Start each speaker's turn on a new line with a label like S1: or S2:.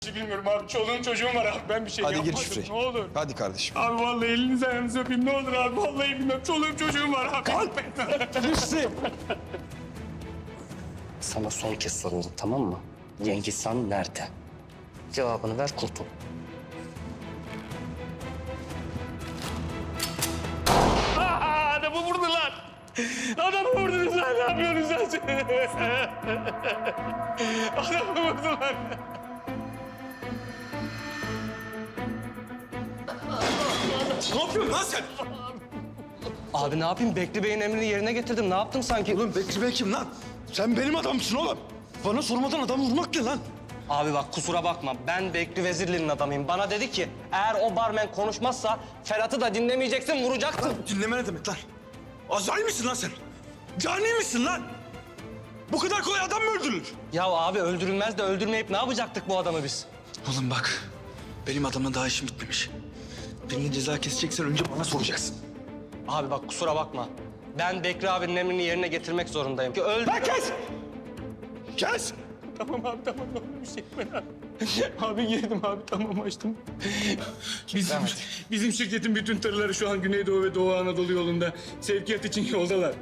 S1: Bilmiyorum abi. Çoluğum çocuğum var abi. Ben bir şey
S2: Hadi
S1: yapmadım.
S2: gir şifreyi.
S1: Ne olur.
S2: Hadi kardeşim.
S1: Abi vallahi elinizi ayağınızı öpeyim. Ne olur abi. Vallahi bilmiyorum. Çoluğum çocuğum var abi.
S3: Sana son kez soruyorum, tamam mı? Cengiz Han nerede? Cevabını ver, kurtul.
S1: Adamı vurdular. Adamı vurdunuz lan. Ne yapıyorsunuz sen? Adamı vurdular.
S2: Ne yapıyorsun lan sen?
S3: Abi ne yapayım? Bekri Bey'in emrini yerine getirdim. Ne yaptım sanki?
S2: Oğlum Bekri Bey kim lan? Sen benim adamsın oğlum. Bana sormadan adam vurmak ne lan?
S3: Abi bak kusura bakma. Ben Bekri Vezirli'nin adamıyım. Bana dedi ki eğer o barmen konuşmazsa Ferhat'ı da dinlemeyeceksin, vuracaksın.
S2: Dinleme ne demek lan? Azrail misin lan sen? Cani misin lan? Bu kadar kolay adam mı öldürülür?
S3: Ya abi öldürülmez de öldürmeyip ne yapacaktık bu adamı biz?
S2: Oğlum bak, benim adamla daha işim bitmemiş. Birine ceza keseceksen önce bana soracaksın.
S3: Abi bak kusura bakma. Ben Bekri abinin emrini yerine getirmek zorundayım. Ki öldür...
S2: Lan kes! Kes!
S1: Tamam abi tamam. Ne olur bir şey yapmayın abi. Abi girdim abi. Tamam açtım. Bizim şirketin bütün tırları şu an Güneydoğu ve Doğu Anadolu yolunda sevkiyat için yoldalar.